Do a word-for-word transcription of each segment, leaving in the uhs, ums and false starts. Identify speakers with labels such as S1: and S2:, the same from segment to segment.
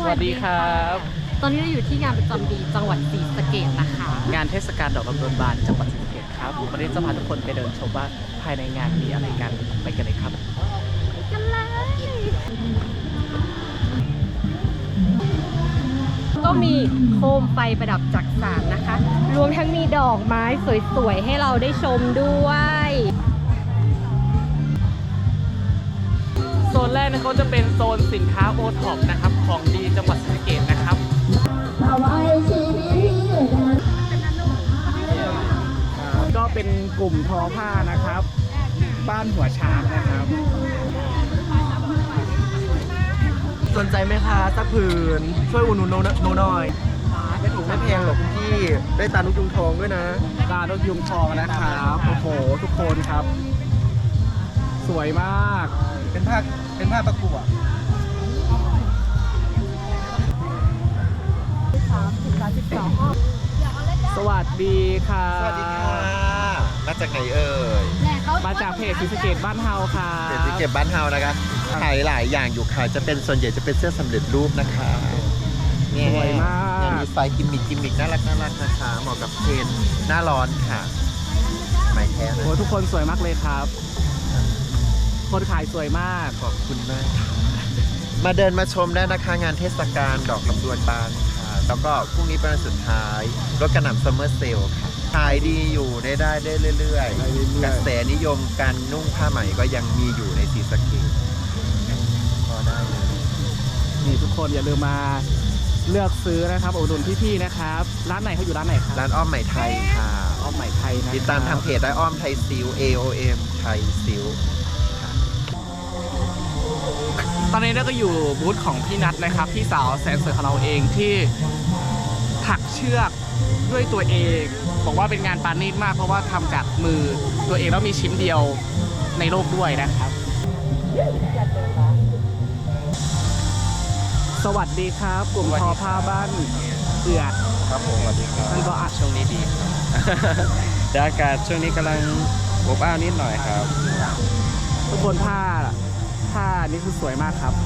S1: วัสดีครับ
S2: ตอนนี้เราอยู่ที่งานประจำปีจังหวัดศรีสะเกษนะคะ
S1: งานเทศกาลดอกลำดวนบานจังหวัดศรีสะเกษครับวันนี้จะพาทุกคนไปเดินชมว่าภายในงานมีอะไรกันไปกันเลยครับ
S2: กันเลยก็มีโคมไฟประดับจักสานนะคะรวมทั้งมีดอกไม้สวยๆให้เราได้ชมด้วย
S1: โซนแรกนะเขาจะเป็นโซนสินค้าโอท็อปนะครับของดีจังหวัดศรีสะเกษนะครับก็เป็นกลุ่มทอผ้านะครับบ้านหัวช้างนะครับสนใจไหมคะสักผืนช่วยอุดหนุนโนหน่อยไม่ถูกไม่แพงหรอกพี่ได้ตาลูกยุงทองด้วยนะตาลูกยุงทองนะครับโอ้โหทุกคนครับสวยมากเป็นผ้าเป็นผ้าประกวดสวัสดีค่ะ
S3: สวัสดีค่ะมาจากไหนเอ่ย
S1: มาจากเพจศรีสะเกษบ้านเฮาค่ะ
S3: เพจศรีสะเกษบ้านเฮานะคะขายหลายอย่างอยู่ค่ะจะเป็นส่วนใหญ่จะเป็นเสื้อสำเร็จรูปนะคะ
S1: สวยมาก
S3: มีไฟกิมมิคกิมมิคน่ารักน่ารักนะคะเหมาะกับเทรนหน้าร้อนค่ะไม่แท้เลย
S1: โอ้ทุกคนสวยมากเลยครับคนขายสวยมาก
S3: ขอบคุณมากมาเดินมาชมได้นะคะงานเทศกาลดอกลำดวนบานค่ะแล้วก็พรุ่งนี้เป็นวันสุดท้ายรถกระหน่ำซัมเมอร์เซลค่ะขายดีอยู่ได้ได้ได้เรื่อยๆกระแสนิยมการนุ่งผ้าไหมก็ยังมีอยู่ในศรีสะเกษพอได้เลย
S1: นี่ทุกคนอย่าลืมมาเลือกซื้อนะครับอุดหนุนพี่ๆนะครับร้านไหนเขาอยู่ร้านไหนครับ
S3: ร้านอ้อมไหมไทยค่ะ
S1: อ้อมไหมไทยนะ
S3: ติดตามทางเพจได้อ้อมไทยซิล เอ โอ เอ็ม ไทยซิล
S1: ตอนนี้เราก็อยู่บูธของพี่นัทนะครับพี่สาวแสนสวยของเราเองที่ถักเชือกด้วยตัวเองบอกว่าเป็นงานปาณีตมากเพราะว่าทำจากมือตัวเองแล้วมีชิ้นเดียวในโลกด้วยนะครับสวัสดีครับกลุ่มทอผ้าบ้านเอือด
S3: ครับผมสวัสดีครับ
S1: ท่านก็อาจช่วงนี้ดีครับ
S3: แต่อากาศช่วงนี้กำลังอบอ้าวนิดหน่อยครับ
S1: ทุกคนผ้าผ้านี่คือสวยมากครับ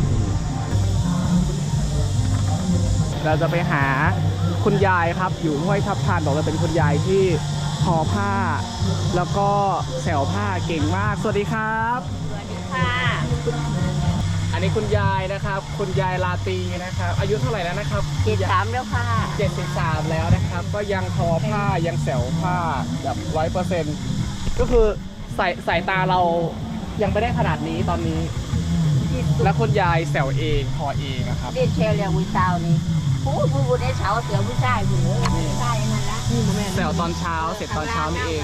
S1: เราจะไปหาคุณยายครับอยู่ห้วยทับทานบอกเลยเป็นคุณยายที่ทอผ้าแล้วก็แสวผ้าเก่งมากสวัสดีครับ
S2: สวัสดีค่ะ
S1: อันนี้คุณยายนะครับคุณยายลาตีนะครับอายุเท่าไหร่แล้วนะครับ
S2: เจ็ดสิบสามแล้วค่ะ
S1: เจ็ดสิบสามแล้วนะครับก็ยังทอผ้ายังแสวผ้าแบบร้อยเปอร์เซ็นต์ก็คือสายสายตาเรายังไม่ได้ขนาดนี้ตอนนี้แล้วคุณยายแสวเองทอเองนะครับ
S2: เรียนเชลเรียงวิชานี้ผู้ผู้ผู้ได้เช้าเสือผู้ชายผู้ชายนั่นละ
S1: แสวตอนเช้าเสร็จตอนเช้านี่เอง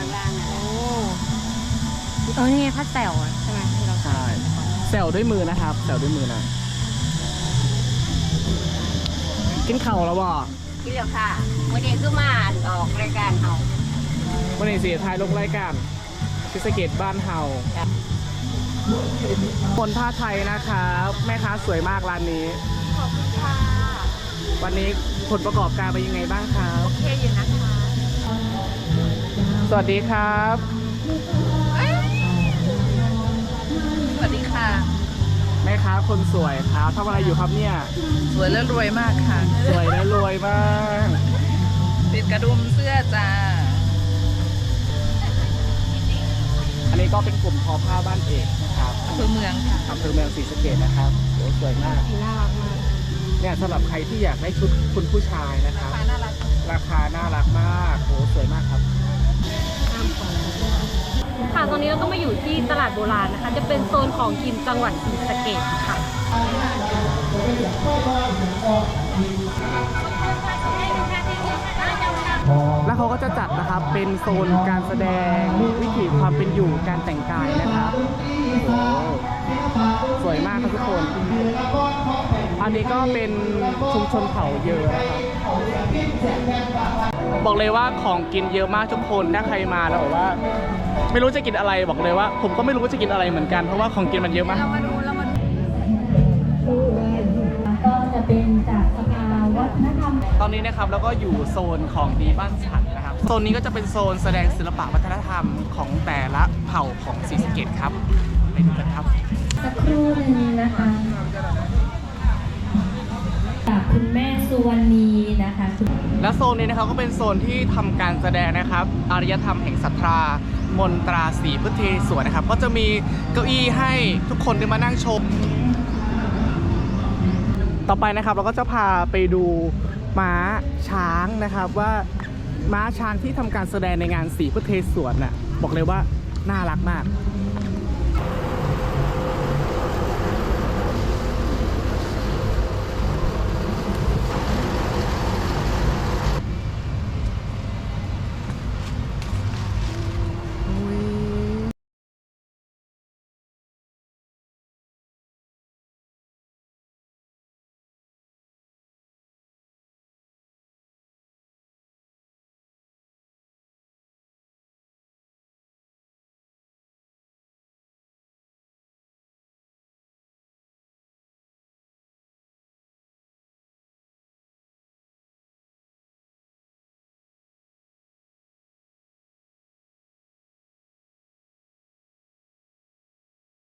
S2: เออนี่ผ้าแสวใช่ไหมที่เรา
S1: ใช่แสวด้วยมือนะครับแสวด้วยมือนะกินเข่าแล้วบ่
S2: กินแล้วค่ะวันนี้ก็มาออกรายการเฮา
S1: วันนี้เสียท้ายลงรายการศรีสะเกษบ้านเฮาคนผ้าไทยนะครับแม่ค้าสวยมากร้านนี้
S2: ขอบคุณค่ะ
S1: วันนี้ผลประกอบการเป็นยังไงบ้างครับ
S2: โอเคอยู่นะคะ
S1: สวัสดีครับ
S2: สวัสดีค่ะ
S1: แม่ค้าคนสวยครับทำอะไรอยู่ครับเนี่ย
S4: สวยและรวยมากค่ะ
S1: สวยและรวยมาก
S4: ติดกระดุมเสื้อจ้า
S1: อันนี้ก็เป็นกลุ่มทอผ้าบ้านเอกนะครับ
S4: อำเภอเมืองค่ะ
S1: อำเภอเมืองศรีสะเกษนะครับโอ้สวยมาก
S2: น่ารักมาก
S1: เนี่ยสำหรับใครที่อยากได้ชุดคุณผู้ชายนะครับ
S4: ราคาน่ารัก
S1: ราคาน่ารักมากโอ้สวยมากครับ
S2: ค่ะตอนนี้เราก็มาอยู่ที่ตลาดโบราณนะคะจะเป็นโซนของกินจังหวัดศรีสะเกษค่ะ
S1: แล้วเขาก็จะจัดนะครับเป็นโซนการแสดงวิถีความเป็นอยู่การแต่งกายนะครับโอ้สวยมากครับทุกคนอันนี้ก็เป็นชุมชนเผ่าเยอะนะครับบอกเลยว่าของกินเยอะมากทุกคนถ้าใครมาแล้วบอกว่าไม่รู้จะกินอะไรบอกเลยว่าผมก็ไม่รู้ว่าจะกินอะไรเหมือนกันเพราะว่าของกินมันเยอะมากเรามาดูเรามาดูก็จะเป็นจากสภาวัฒนธรรมตอนนี้นะครับแล้วก็อยู่โซนของดีบ้านฉันนะครับโซนนี้ก็จะเป็นโซนแสดงศิลปะวัฒนธรรมของแต่ละเผ่าของศรีสะเกษครับไปดูกันครับสักครู่นึงนะคะ
S5: สุวรรณีนะคะคุณ
S1: และโซนนี้นะครับก็เป็นโซนที่ทำการแสดงนะครับอารยธรรมแห่งศรัทธามนตราศรีพุทธเทศวรนะครับก็จะมีเก้าอี้ให้ทุกคนได้มานั่งชม ต่อไปนะครับเราก็จะพาไปดูม้าช้างนะครับว่าม้าช้างที่ทำการแสดงในงานศรีพุทธเทศวรน่ะบอกเลยว่าน่ารักมาก